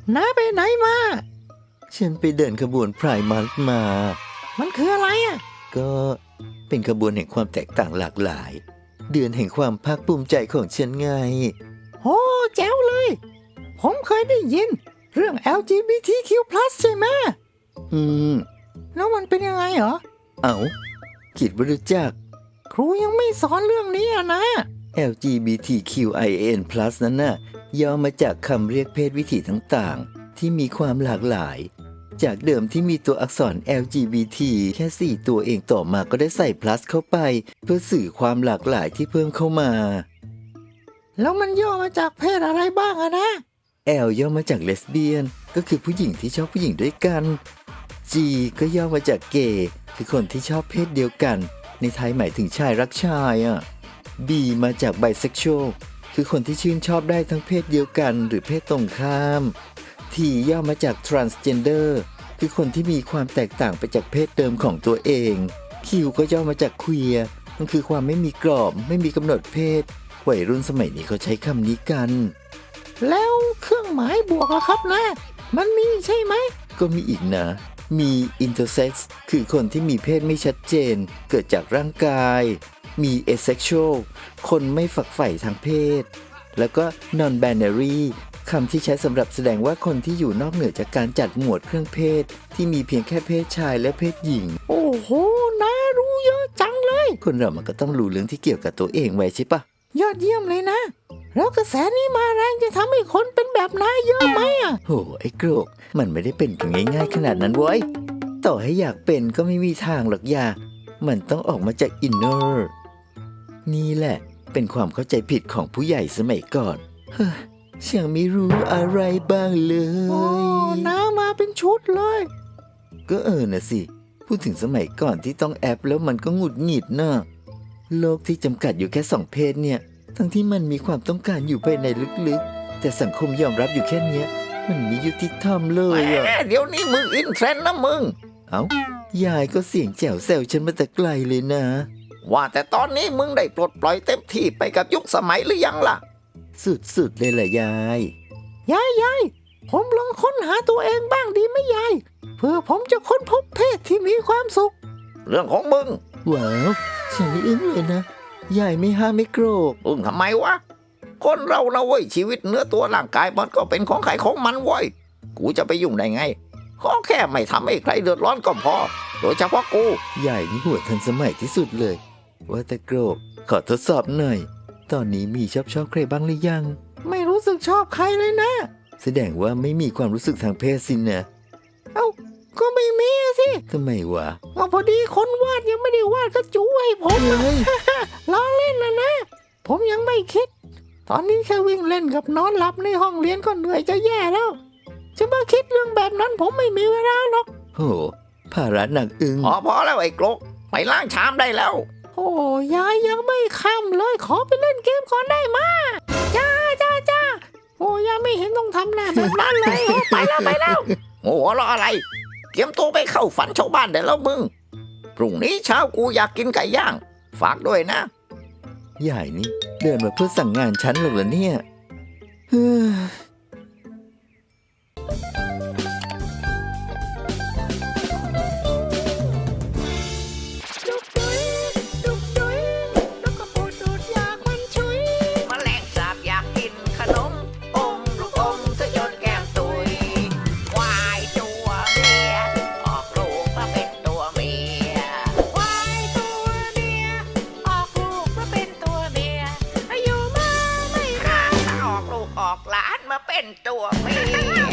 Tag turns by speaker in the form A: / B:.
A: น้าไปไหนมา
B: ฉันไปเดินขบวนไพร์มันธ์มา
A: มันคืออะไรอ่ะ
B: ก็เป็นขบวนแห่งความแตกต่างหลากหลายเดือนแห่งความภาคภูมิใจของฉันไง
A: โอ้แจ๋วเลยผมเคยได้ยินเรื่อง LGBTQ+ ใช่ไหมแล้วมันเป็นยังไงเหรอ
B: คิดว่ารู้จัก
A: ครูยังไม่สอนเรื่องนี้นะ
B: LGBTQIAN+ นั้นน่ะย่อมาจากคำเรียกเพศวิถีต่างๆที่มีความหลากหลายจากเดิมที่มีตัวอักษร LGBT แค่4ตัวเองต่อมาก็ได้ใส่ plus เข้าไปเพื่อสื่อความหลากหลายที่เพิ่มเข้ามา
A: แล้วมันย่อมาจากเพศอะไรบ้างนะ
B: L ย่อมาจากเลสเบี้ยนก็คือผู้หญิงที่ชอบผู้หญิงด้วยกัน G ก็ย่อมาจากเกย์คือคนที่ชอบเพศเดียวกันในไทยหมายถึงชายรักชายB มาจาก bisexual คือคนที่ชื่นชอบได้ทั้งเพศเดียวกันหรือเพศตรงข้าม T ย่อมาจาก transgender คือคนที่มีความแตกต่างไปจากเพศเดิมของตัวเอง Q ก็ย่อมาจาก queer มันคือความไม่มีกรอบไม่มีกำหนดเพศวัยรุ่นสมัยนี้เขาใช้คำนี้กัน
A: แล้วเครื่องหมายบวกล่ะครับนะมันมีใช่ไหม
B: ก็มีอีกนะมี intersex คือคนที่มีเพศไม่ชัดเจนเกิดจากร่างกายมี asexual คนไม่ฝักใฝ่ทางเพศแล้วก็ non-binary คำที่ใช้สำหรับแสดงว่าคนที่อยู่นอกเหนือจากการจัดหมวดเครื่องเพศที่มีเพียงแค่เพศชายและเพศหญิง
A: โอ้โหน่ารู้เยอะจังเลย
B: คนเรามันก็ต้องรู้เรื่องที่เกี่ยวกับตัวเองไว้ใช่ปะ
A: ยอดเยี่ยมเลยนะแล้วกระแสนี้มาแรงจะทำให้คนเป็นแบบนายเยอะไหม
B: โหไอ้โกรกมันไม่ได้เป็นกันง่ายๆขนาดนั้นเว้ยต่อให้อยากเป็นก็ไม่มีทางหรอกอย่ามันต้องออกมาจากอินเนอร์นี่แหละเป็นความเข้าใจผิดของผู้ใหญ่สมัยก่อนเฮ้ยฉันไม่รู้อะไรบ้างเลย
A: โอ้น้ามาเป็นชุดเลย
B: ก็นะสิพูดถึงสมัยก่อนที่ต้องแอปแล้วมันก็หงุดหงิดนะโลกที่จำกัดอยู่แค่2เพศเนี่ยทั้งที่มันมีความต้องการอยู่ภายในลึกๆแต่สังคมยอมรับอยู่แค่เนี้ยมันไม่ยุติธรรมเลย
A: เดี๋ยวนี้มึงอินเทรนด์นะมึง
B: ยายก็เสียงแจ๋วแซวฉันมาแต่ไกลเลยนะ
A: ว่าแต่ตอนนี้มึงได้ปลดปล่อยเต็มที่ไปกับยุคสมัยหรือยังล่ะ
B: สุดๆเลยล่ะยาย
A: ผมลองค้นหาตัวเองบ้างดีไหมยายเพื่อผมจะค้นพบเพศที่มีความสุขเรื่องของมึง
B: ว้าวฉันนี่อึ้งเลยนะยายไม่ห้ามไม่โกรธ
A: ทำไมวะคนเรานะเว้ยชีวิตเนื้อตัวร่างกายมันก็เป็นของใครของมันเว้ยกูจะไปยุ่งได้ไงขอแค่ไม่ทำให้ใครเดือดร้อนก็พอโดยเฉพาะกู
B: ยายนี่หัวทันสมัยที่สุดเลยว่าแต่โกรธขอทดสอบหน่อยตอนนี้มีชอบใครบ้างหรือยัง
A: ไม่รู้สึกชอบใครเลยนะ
B: แสดงว่าไม่มีความรู้สึกทางเพศสินะ
A: ก็ไม่มีสิ
B: ทำไมวะ
A: พอดีคนวาดยังไม่ได้วาดกระจูให้ผมเลยล้อเล่นนะผมยังไม่คิดตอนนี้แค่วิ่งเล่นกับนอนหลับในห้องเรียนก็เหนื่อยจะแย่แล้วจะมาคิดเรื่องแบบนั้นผมไม่มีเวลาหรอก
B: โหภาระหนักอึ้ง
A: พอแล้วไอ้กรกไปล้างชามได้แล้วโอ้ยายยังไม่ค่ำเลยขอไปเล่นเกมก่อนได้มาจ้าโอ้ยายไม่เห็นต้องทำหน้าแบบนั้นเลยไปแล้วโอ้รออะไรเตรียมตัวไปเข้าฝันชาวบ้านได้แล้วมึงพรุ่งนี้เช้ากูอยากกินไก่ย่างฝากด้วยนะ
B: ยายนี่เดินมาเพื่อสั่งงานฉันหรอกเหรอเนี่ย
A: ออกหลานมาเป็นตัวเมีย